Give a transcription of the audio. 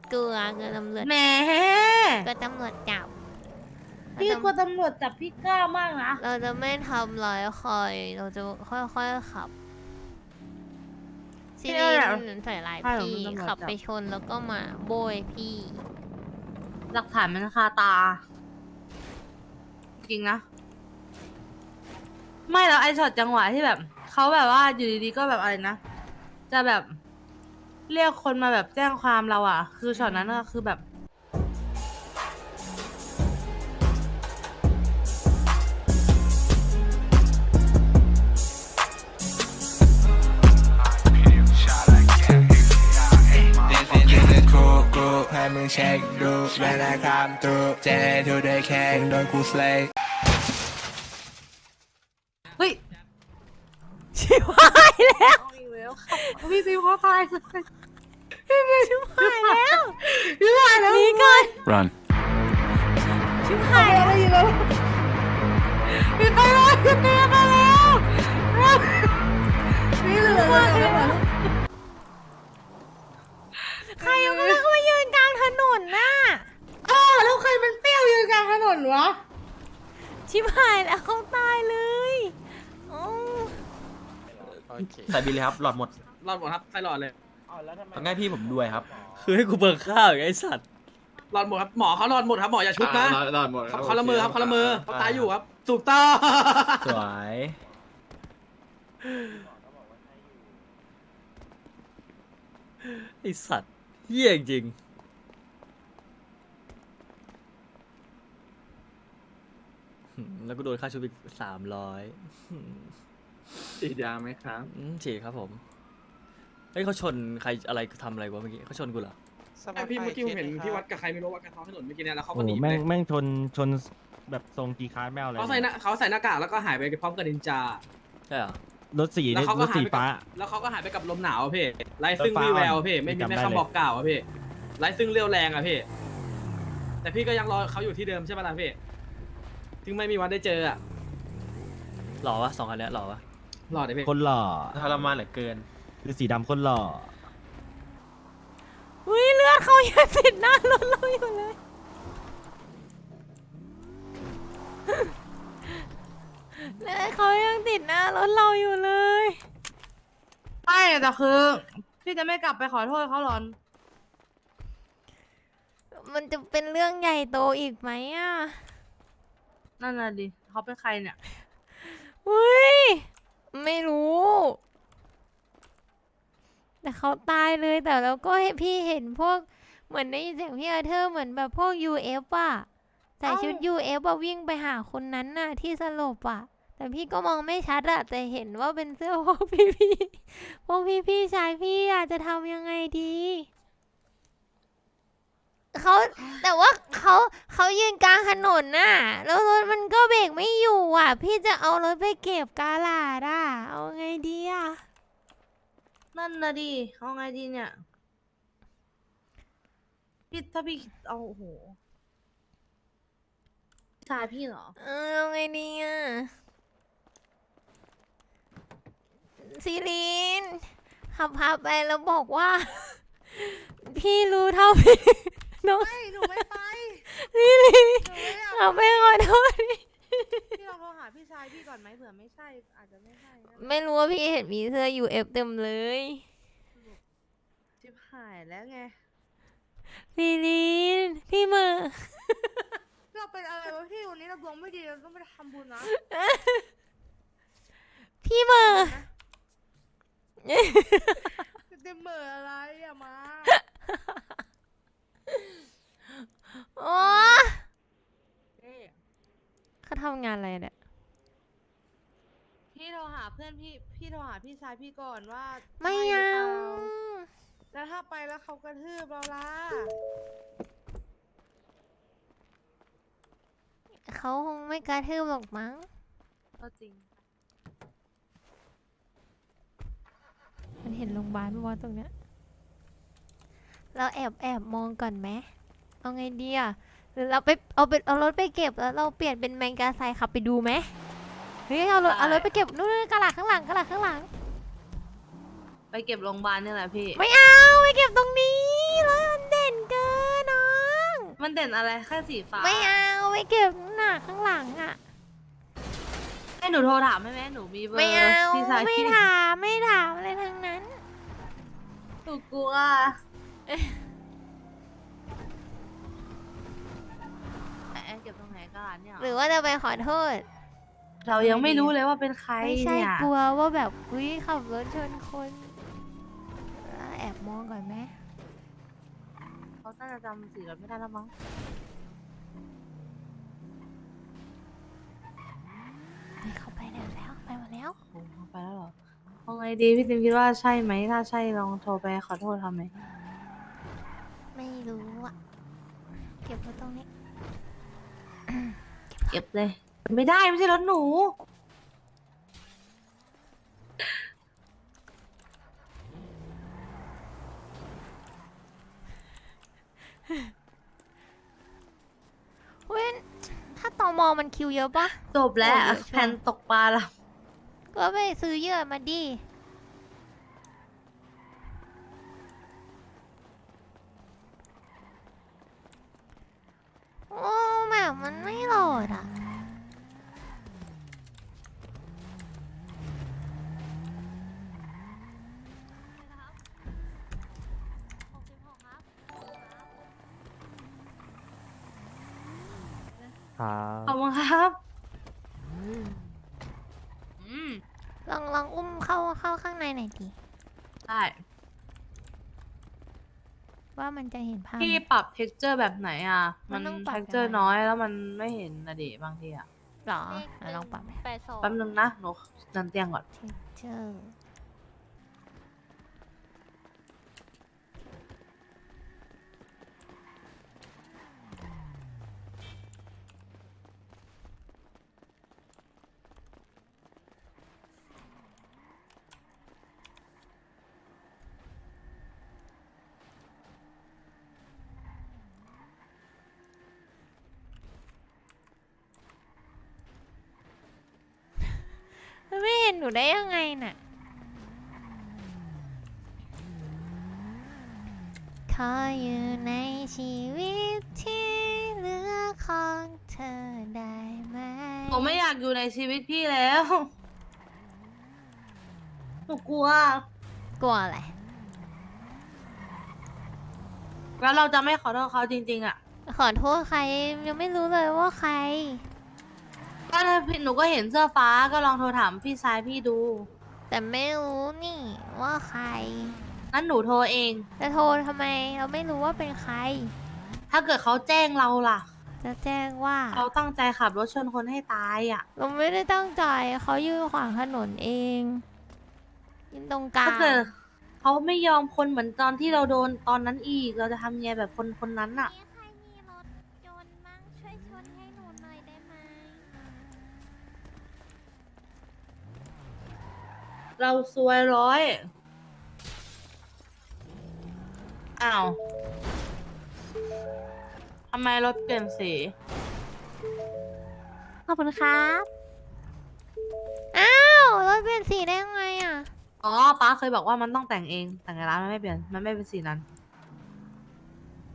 กลัวตำรวจแหมก็ตำรวจจับพี่กลัวตำรวจจับพี่กล้ามากนะเราจะไม่ทำร้ายใครเราจะค่อยๆขับซีรีนใส่ลายพี่ขับไปชนแล้วก็มาโบยพี่หลักฐานมันคาตา จริงนะ ไม่แล้วไอ้ช็อตจังหวะที่แบบเขาแบบว่าอยู่ดีๆก็แบบอะไรนะ จะแบบเรียกคนมาแบบแจ้งความเราอ่ะ คือช็อตนั้นก็คือแบบให้มึงเช็คดูแม่นาคำตูเจทูได้แข่งโดนกูสเลย์เฮ้ยชิบหายแล้วเอาอีกแล้วค่ะพี่ซิวเขาตายเลยชิบหายแล้วพี่ตายแล้วหนีก่อน run ชิบหายแล้วอีกแล้วพี่ไปแล้วพี่ไปแล้วพี่เหลือแล้วใครเอามาเข้ามายืนกลางถนนน่ะแล้วใครมันเปรี้ยวยืนกลางถนนวะชิบหายแล้วเขาตายเลยโอ้ใส่บินเลยครับ หลอดหมดรอดหมดครับใส่หลอดเลยต้องให้พี่ผมด้วยครับคือให้กูเบิกข้าวไอ้สัตว์หลอดหมดครับหมอเขาหลอดหมดครับหมออย่าชุบนะรอดหมดเขาละเมอครับเขาละเมอเขาตายอยู่ครับถูกต้องสวย ไอ้สัตว์เหี้ยจริงแล้วก็โดนค่าชุบอีก300 ฉีดยาไหมครับฉีดครับผมเฮ้ยเขาชนใครอะไรทำอะไรวะเมื่อกี้เขาชนกูเหรอไอพี่เมื่อกี้ผมเห็นพี่วัดกับใครไม่รู้วัดกันท้องถนนเมื่อกี้เนี่ยแล้วเขาก็โอ้หนีโหไปแม่งชนแบบทรงจีคาร์ดแมวเลยเขาใส่หน้ากากแล้วก็หายไปพร้อมกับนินจาใช่เหรอรถสีแล้วนี่เขารก็ถหายสีไปกัฟ้าบแล้วเขาก็หายไปกับลมหนาวอะพี่ไรซึ่งฟ้าวี่แววอ่อนพี่ไม่มีจำได้แม่เลยคำบอกกล่าวอะพี่ไรซึ่งเรียวแรงอะพี่แต่พี่ก็ยังรอเขาอยู่ที่เดิมใช่ไหมล่ะพี่ถึงไม่มีวันได้เจออะหล่อวะ2 คันเนี้ยหล่อวะรอดเลยพี่คนหล่อทรมานเหลือเกินคือสีดำคนหล่ออุ้ยเลือดเขายังติดหน้ารถเราอยู่เลยเลือดเขายังติดหน้ารถเราอยู่เลยไม่แต่คือพี่จะไม่กลับไปขอโทษเขาหรอมันจะเป็นเรื่องใหญ่โตอีกไหมอ่ะนั่นน่ะดิเขาเป็นใครเนี่ยอุ้ยไม่รู้ แต่เขาตายเลยแต่เราก็ให้พี่เห็นพวกเหมือนได้ยินเสียงพี่อาเธอร์เหมือนแบบพวก UF อ่ะใส่ชุด UF อ่ะวิ่งไปหาคนนั้นน่ะที่สลบอ่ะ แต่พี่ก็มองไม่ชัดอะแต่เห็นว่าเป็นเสื้อพวกพี่ๆพวกพี่ๆชายพี่อะจะทำยังไงดีเขาแต่ว่าเขายืนกลางถนนน่ะแล้วรถมันก็เบรกไม่อยู่อ่ะ พี่จะเอารถไปเก็บกาลาดอ่ะเอาไงดีอ่ะนั่นน่ะดิเอาไงดีเนี่ยพี่ถ้าพี่เอาโอ้โหชายพี่เหรอเอาไงดีอ่ะซีรีนขับพาไปแล้วบอกว่า พี่รู้เท่าพี่น้องไม่หนูไม่ไปซีรีนหนูไม่อยากขับไปขอโทษพี่ลองโทรหาพี่ชายพี่ก่อนไหมเผื่อไม่ใช่อาจจะไม่ใช่นะไม่รู้ว่าพี่เห็นมีเสื้อ UF เต็มเลยชิบหายแล้วไงซีรีนพี่มือเราเป็นอะไรวะพี่วันนี้เราดวงไม่ดีเราต้องไปทำบุญนะพี่มือจะเหม่ออะไรอะมาโอ้เขาทำงานอะไรเนี่ยพี่โทรหาเพื่อนพี่โทรหาพี่ชายพี่ก่อนว่าไม่ใช่เอาหรือเปล่าแล้วถ้าไปแล้วเขากระทืบเราล่ะเขาคงไม่กระทืบหรอกมั้งก็จริงมันเห็นโรงพยาบาลปะวะตรงเนี้ย เราแอบมองก่อนไหมเอาไงดีอ่ะหรือเราเอารถไปเก็บแล้วเราเปลี่ยนเป็นแมงกาไซขับไปดูไหมเฮ้ยเอารถไปเก็บนู่นกระหลักข้างหลังไปเก็บโรงพยาบาลนี่แหละพี่ไม่เอาไปเก็บตรงนี้รถมันเด่นเกิห็นอะไรแค่สีฟ้าไม่เอาไปเก็บหน้าข้างหลังอ่ะให้หนูโทรถามให้ไหมหนูมีเบอร์ไม่เอาพี่ชายไม่พี่ถามไม่ถามอะไรทั้งนั้นหนูกลัวแอนเก็บตรงไหนกันเนี่ยหรือว่าจะไปขอโทษเรายังไม่รู้เลยว่าเป็นใครไม่ใช่เนี่ยกลัวว่าแบบอุ้ยขับรถชนคนแอบมองก่อนไหมเขาน่าจะจำสีรถไม่ได้แล้วมั้งเฮ้ยเขาไปแล้วไปหมดแล้วโอ้โหไปแล้วเหรอเอาไงดีพี่ติมคิดว่าใช่ไหมถ้าใช่ลองโทรไปขอโทษทำไหมไม่รู้อ่ะ เก็บไว้ตรงนี้เก็บเลย ไม่ได้ไม่ใช่รถหนูเว้ยถ้าตอมอมันคิวเยอะปะจบแล้วโอ้เยอะชัวร์แผ่นตกปลาแล้วก็ไปซื้อเหยื่อมาดิ โอ้แบบมันไม่โหลดอ่ะขอบคุณครับอืมลองอุ้มเข้าข้างในหน่อยดิได้ว่ามันจะเห็นภาพพี่ไหมปรับ texture แบบไหนอ่ะมัมัน นต้องปรับ texture ยังไงน้อยแล้วมันไม่เห็นนะดิบางทีอ่ะหรอลองปรับไหมแป๊บนึงนะหนูนันเตียงก่อน texture มันไม่เห็นหนูได้ยังไงน่ะ ขออยู่ในชีวิตที่เหลือของเธอได้ไหมหนูไม่อยากอยู่ในชีวิตพี่แล้ว หนูกลัวกลัวอะไรแล้วเราจะไม่ขอโทษเขาจริงๆอ่ะขอโทษใครยังไม่รู้เลยว่าใครก็ถ้าพี่หนูก็เห็นเสื้อฟ้าก็ลองโทรถามพี่ชายพี่ดูแต่ไม่รู้นี่ว่าใครงั้นหนูโทรเองจะโทรทำไมเราไม่รู้ว่าเป็นใครถ้าเกิดเขาแจ้งเราล่ะจะแจ้งว่าเขาตั้งใจขับรถชนคนให้ตายอ่ะเราไม่ได้ตั้งใจเขายืนขวางถนนเองยืนตรงกลาถ้าง เกิดเขาไม่ยอมคนเหมือนตอนที่เราโดนตอนนั้นอีก เราจะทำไงแบบคนนั้นอ่ะมีใครมีรถยนต์มั้งช่วยชนให้หนูหน่อยได้ไหมเราซวยร้อย อ้าว ทำไมรถเปลี่ยนสีขอบคุณครับ อ้าวรถเปลี่ยนสีได้ยังไงอ่ะอ๋อป้าเคยบอกว่ามันต้องแต่งเอง แต่ในร้านมันไม่เปลี่ยน มันไม่เป็นสีนั้น